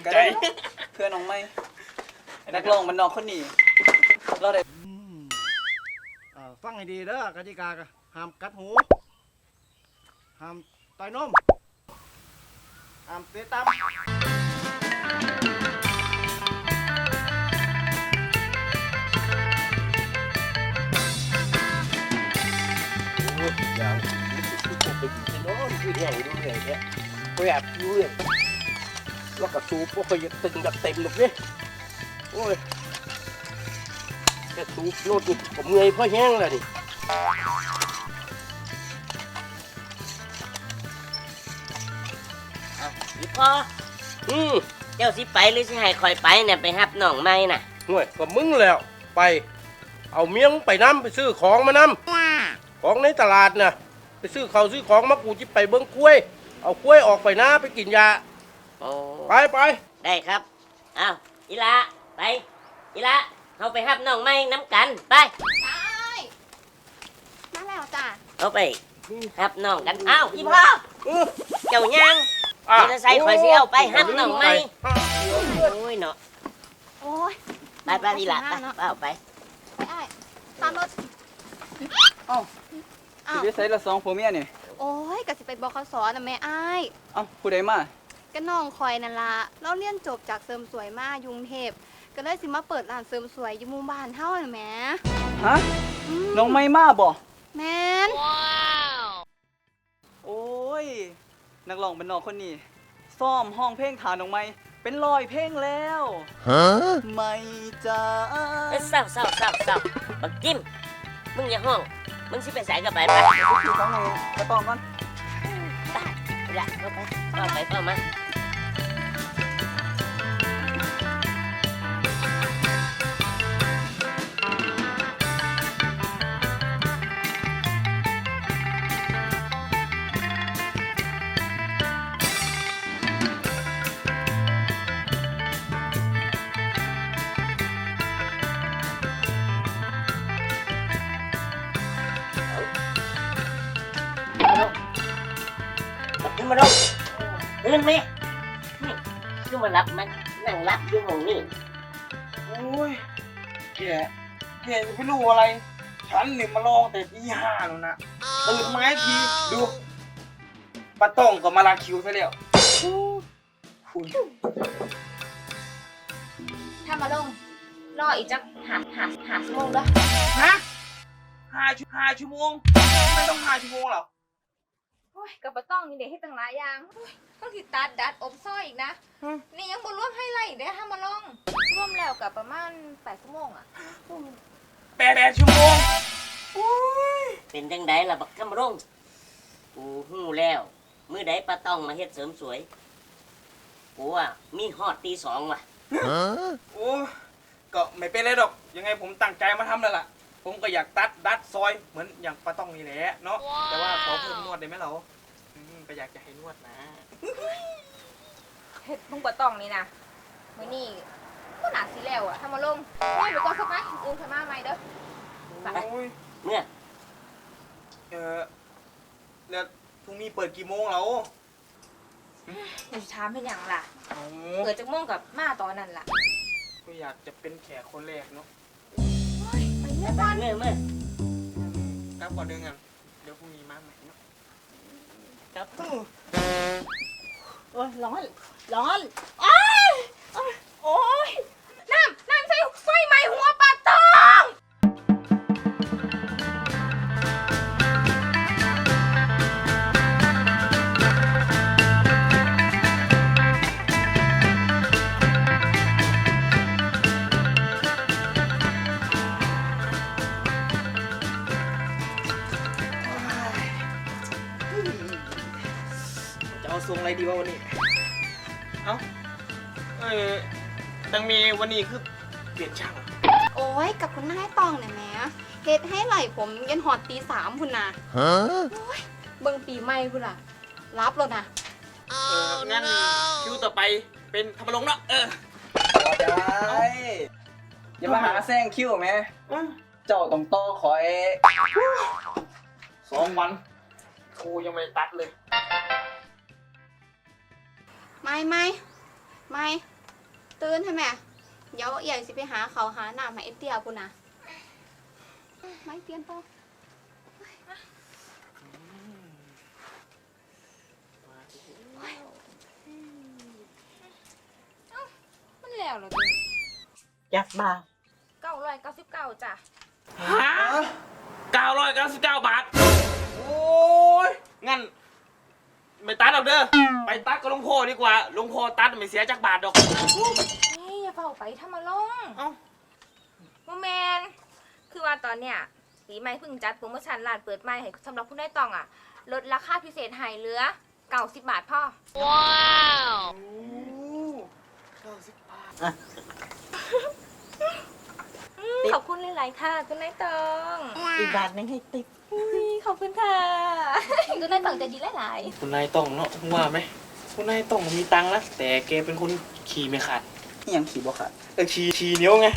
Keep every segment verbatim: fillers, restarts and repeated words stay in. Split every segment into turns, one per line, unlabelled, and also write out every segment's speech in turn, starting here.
ใจเพื่อนน้องไม่นักร้องมันน้องคนนี้เราได้
ฟังให้ดีเด้อกติกาห้ามกัดหูห้ามต่อยนมห้ามเตะตาม
อย่างที่ผมไปกินโน่นคือแห้งดูเลยเนี่ยก็อยากดูเลยแล้วก็สูบพวกเขาตึงกับเต็มหมดเลยโอ้ยแค่สูบโน่นนี่ผมเงยเพราะแห้งเลยนี่
อีพ่ออืมเจ้าสิไปหรือสิให้คอยไปเนี่ยไปหับน้องไม้น่ะ
ห่วยก็มึงแล้วไปเอาเมียงไปน้ำไปซื้อของมานำของในตลาดน่ะไปซื้อเขาซื้อของมากูจิไปเบิ้งกล้วยเอากล้วยออกไปนะไปกินยาไปไป
ได้ครับอ้าวอีละไปอีละเขาไปหับน้องไม้น้ำกันไป
ได้มาแล้วจ้ะ
เขาไปหับน้องกันอ้าวอีพ่อเจ้ายังมอเตอร์ไซค์คอยสิเอาไปหับน้องไม้โอ้ยเนาะ
โอ้ย
ไปไปอีละไปเอาไป
ไปไอ้ตามรถ
เอ้าสิไปใส่ละสองผัวเมียนี่
โอ้ยก็สิไปบคสนะแม่ไอ้
เอ้าผู้ใดมา
ก็น้องคอยนั่นล่ะเราเรียนจบจากเสริมสวยมายุงเทพก็เลยสิมาเปิดร้านเสริมสวยอยู่หมู่บ้านเฮาน่ะแม่
ฮะน้องไม่มาบ่
แม่น
โอ้ยนักร้องบ้านนอกคนนี้ซ้อมห้องเพลงฐานน้องไม่เป็นร้อยเพลงแล้วฮะไม่จ้า
เศร้าเศร้าเศร้าเศร้าบักจิ้มมึงอย่าห้องมึงสิไปสายกับไปไป
ขี่ต้องไงไปต้องก่อน
ไปละเข้าไปเข้าไปเข้ามาขึ้นมาลงขึ้นไหมนี่ขึ้นมารับมันนั่งรับอยู่ห้องนี่
โอ้ยแกแกจะไม่รู้อะไรฉันเนี่ยมาลองแต่ตีห้าแล้วนะตื่นมาทีดูปลาต้องก็มาลาคิวซะแล้วคุณ
ถ้ามาลงรออีกจักหาหาหาชั่วโมงด้วย
ฮะห้าชั่วห้าชั่วโมงไม่ต้องห้าชั่วโมงหรอ
โอ้ยกับปะต้องนี่เด็กให้ตั้งหลายอย่างต้องติดตัดดัดอบซ้อยอีกนะนี่ยังบนร่วมให้ไรอีกได้ถ้ามาลองร่วมแล้วกับประมาณแปดชั่วโมงอ่ะ
แปดแปดชั่วโมง
เป็นจังไดล่ะบักคำรงกูหู้แล้วมื้อใดป้าต้องมาเฮ็ดเสริมสวยกูว่ามีฮอดตีสองว่ะ
โอ้ก็ไม่เป็นไรดอกยังไงผมตั้งใจมาทำแล้วล่ะผมก็อยากตัดดัดซอยเหมือนอย่างป้าต้องนี่แหละเนาะแต่ว่าขอเพิ่มนวดได้ไหมเราก็อยากจะให้นวดนะ
เฮ็ดพุ่งปะต้องนี่นะมื้อนี้ก็หนาสีแล้วอะถ้ามาลงไม่ไปก่อนสักไหมอื่นขึ้นมาใหม่เด้อ
ไปเมื่อ
เออแล้วพรุ่งนี้เปิดกี่โมงเรา
เดี๋ยวถามเป็นอย่างล่ะเปิดจากโมงกับมาตอนนั้นล่ะ
ก็อยากจะเป็นแขกคนแรกเนาะ
ไปเมื่อเมื่อเมื่อ
ครับก่อนเดือนกันเดี๋ยวพรุ่งนี้มาใหม่เนาะ
ครับ
โอ้ยร้อนร้อนโอ้ยโอ้ยน้ำน้ำใส่ไฟไหม้หัวปลาตอง
เอาทรงอะไรดีวะวันนี้เอ้าเออตังมีวันนี้คือเปลี่ยนช่าง
โอ้ยกับคุณนายตองเนี่ยแม่เฮ็ดให้ไหลผมยันหอดตีสามคุณนะฮะโอ้ยเบิ่งปีใหม่คุณล่ะรับแล้วนะ
เอองั้นคิวต่อไปเป็นธรรมรงค์เนาะเออได้อย่ามาหาแซงคิวไหมเจ้าต้องต่อคอยสองวันกูยังไม่ตัดเลย
ไม่ไม่ไม่ตื่นใช่ไหมเดี๋ยวใหญ่สิไปหาเขาวหาหน้ามาเอฟเตียพุ่นนะไม่เตียนต่อเอ้ามันแล้วเหรอตัว
จักบาท
เก้าร้อยเก้าสิบเก้าจ้ะ
ฮะเก้าร้อยเก้าสิบเก้าบาท โอ้ย งั้น ไม่ตัดหรอกเด้อ ไปตัดกับหลวงพ่อดีกว่าหลวงพ่อตัดไม่เสียจักบาทดอก
เฮ้ยอย่าเฝ้าไปทำมาลง
เอ้า
โมแมนคือว่าตอนเนี้ยปีใหม่เพิ่งจัดโปรโมชั่นร้านเปิดใหม่ให้สำหรับผู้ได้ตองอ่ะลดราคาพิเศษให้เหลือเก้าสิบบาทพ่อ ว้าว
เก้าสิบบาท
ขอบคุณหลายๆค่ะคุณนายตอง
อีกบาทนึงให้ติ๊บ
อุ๊ยขอบคุณค่ะคุณนายตองใจดีหลาย
คุณนายต้องเนาะว่าไหมคุณนายต้องมีตังค์นะแต่แกเป็นคนขี่ไม่ขาด
ยังขี่บ่ขาด
เออขี่ขี่เหนียวไง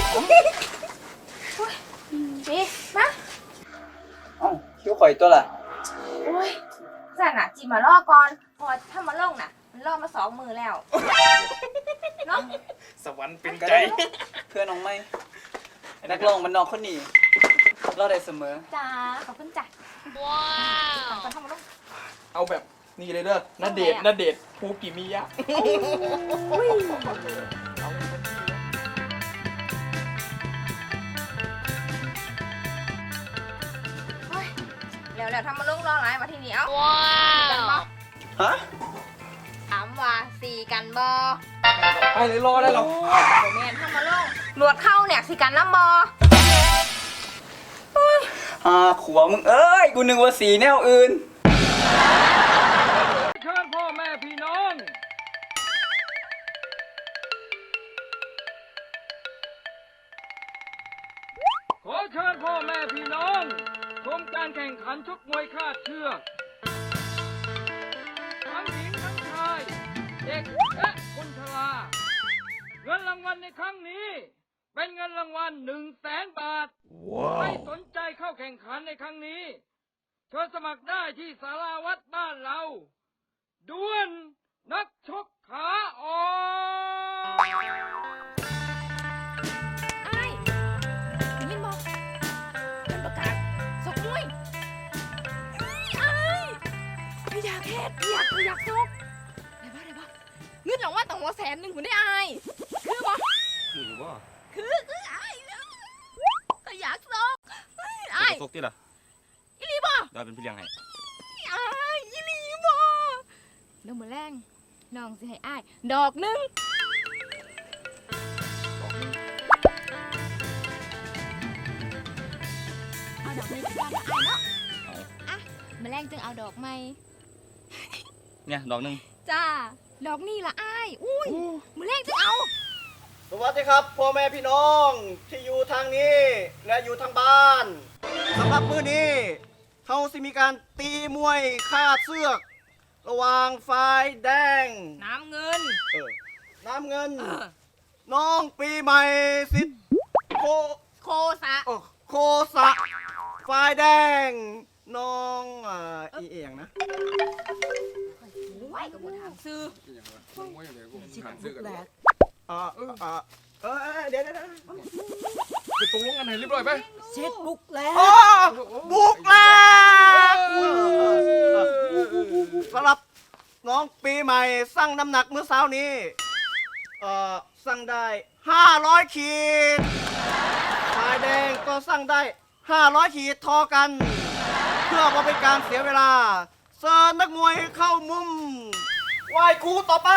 ๆนี่มา
เอ้าคิ้วข่อยตัวล่ะ
โอ้ยสั่นอ่ะจีมาล่อก่อนเพอถ้ามาล่องน่ะ มันล่อมาสองมือแล้วเนาะ
สวรรค์เป็น
ก็
ใจ
ได้เพื่อนน้องไม่นักร้องมันน้องคนนี้เราได้เสมอ
จ้าขอบคุณจ้ะว้าวก่อนทำมาล่อง
เอาแบบนี่เลยเด้อนาเดชน์
ทำไมอะ
นาเดชน์ภูกิมิยะ
แล้วแล้วทำมาล่องรอหลายมาทีนี้เอ้าว้าวกันบอ
ฮะ
ถามว่าสี่กันบอ
ไปเลยรอได้หรอ
โอแมนทำมาล่องหนวดเข้าเนี่ยสี่กันน้ำบอ
อ่าขวมึงเอ้ย กูนึกว่าสีแนวอื่น
เชิญพ่อแม่พี่น้อง ขอเชิญพ่อแม่พี่น้องชมการแข่งขันชกมวยคาดเชือกทั้งหญิงทั้งชาย เด็กและคนชราเงินรางวัลในครั้งนี้ เป็นเงินรางวัลหนึ่งแสนบาท ไม่สนใจเข้าแข่งขันในครั้งนี้เชิญสมัครได้ที่ศาลาวัดบ้านเราด้วนนักชกขาอ่อน
ไอ้ยินบอกเป็นประกาศสกมวยไอ้ไม่อยากเฮ็ดไม่อยากไม่อยากสกได้ปะได้ปะเงินรางวัลต้องหัวแสนหนึ่งผมได้ไอ้คือบ่
คืออยู่บ่
คือคือไอ้ก็อยากสกไอ้
ตกติล่ะ
อีหลีบ่
ได้เป็นพี่เลี้ยงให้
ไอ้อีหลีบ่เดี๋ยวมื้อแรงน้องสิให้อ้ายดอกหนึง เอาดอกไม้ไปบ้านละอ้ายเนาะอ่ะมาแรงจึงเอาดอกไม้
เนี่ยดอกหนึง
จ้า ดอกนี่ละอ้าย อุ้ยมาแรงจึงเอา
สวัสดีครับพ่อแม่พี่น้องที่อยู่ทางนี้และอยู่ทางบ้านสำหรับมื้อนี้เขาสิมีการตีมวยคาดเสือก ระหว่างฝ่ายแดง
น้ำเงิน
เออน้ำเงิน น้องปีใหม่สิทธิ์โค
โคสะ
โอ้โคสะฝ่ายแดง น้องอ่าอีเอียงนะ
ไว้กับบุถามซื้อ
อ่าอ่าเออเออเดี๋ยวเดี๋ยวเดี๋ยว
ไปตกลงกันให้เรียบร้อยไหม
เช็ดบุกแล้ว
อ๋อบุกแล้วสำหรับน้องปีใหม่สั่งน้ำหนักเมื่อเช้านี้เอ่อสั่งได้ห้าร้อยขีดฝ่ายแดงก็สั่งได้ห้าร้อยขีดทอกัน เพื่อว่าเป็นการเสียเวลาเชิญนักมวยเข้ามุมไหว้ครูต่อไป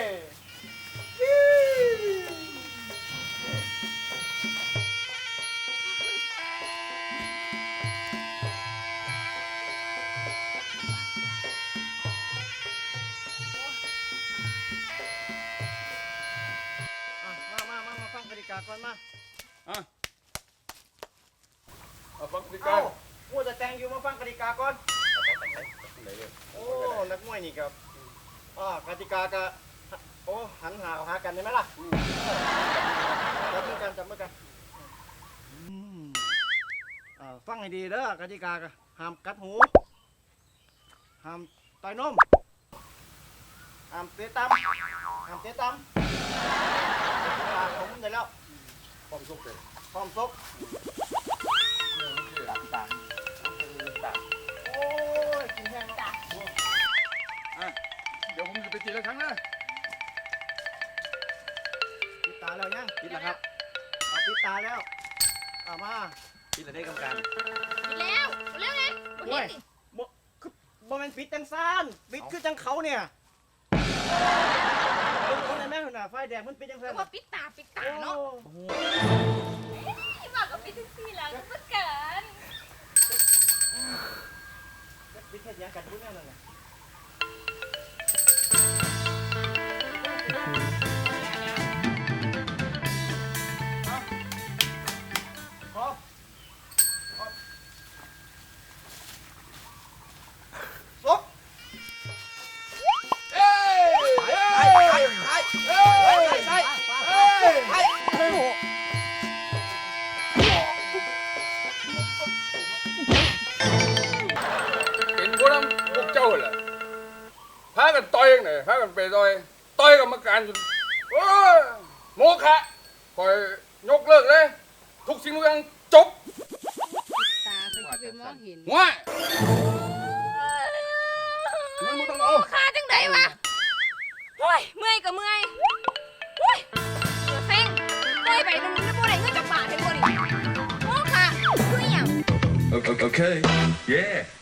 อ่ะมามามามาฟังกติกาก่อนมา
เอาฟังดี
เอ้าพูดจะแจงอยู่มาฟังกติกาก่อน โอ้ นักมวยนี่ครับอ่ากติกาก็โอ้ หันหาหากันได้ไหมล่ะจับมือกันจับมือกันอ่าฟังให้ดีเด้อกติกาก็ห้ามกัดหู ห้ามต่อยนม ห้ามเตะตำห้ามเตะตำ
ความสุขเลย
พร้อมซก
ตับตับตับ
โอ้ยกินแห้งแล้ว
อ่ะเดี๋ยวผมจะไปตีละครั้งนะ
ปิดตาแล้วยัง
ปิดแล้วครับ
เอาปิดตาแล้วเอามา
ปิดแล้วได้กรรมการ
ปิดแล้วเร็วไงบ่
โอ้
เห็
ย
นนี่
บ่คือบ่แม่นปิดจังซ่านปิดคือจังเขาเนี่ยเป็นคนในแม่หุ่นน่ะไฟแดงมันปิดจัง
ก็
ซ่าน
ว่าปิดตาปิดตา
โอ้
เนาะที่ว่าก็ปิดทั้งสี่แล้วก็เหมือนกัน
ปิดเฮ็ดหยังกันอยู่แนวนั้นน่ะเอาขอขอซก
เอ้ยเอ้ย
ไปไปไปไปไปไป
เป็นพวกนั้นพวกเจ้าเหรอพากันต่อยกันไหนพากันไปต่อยต่อยกรรมการจนโอ้ยโมฆะคอยยกเลิกเลย ทุกสิ่งทุกอย่างจบ
ตาเขาจะไปมองเห็น
ว้ายมันไม่ต้องเอา
ขาจังไดวะโอ้ยเมื่อยก็เมื่อยโอ้ยเหลือเซ็งเมื่อยไปนึงแล้วบ่ได้เงินจากบาทเห็นบ่นี่โอ้ค่ะคืออหยัง
Okay. okay. Yeah.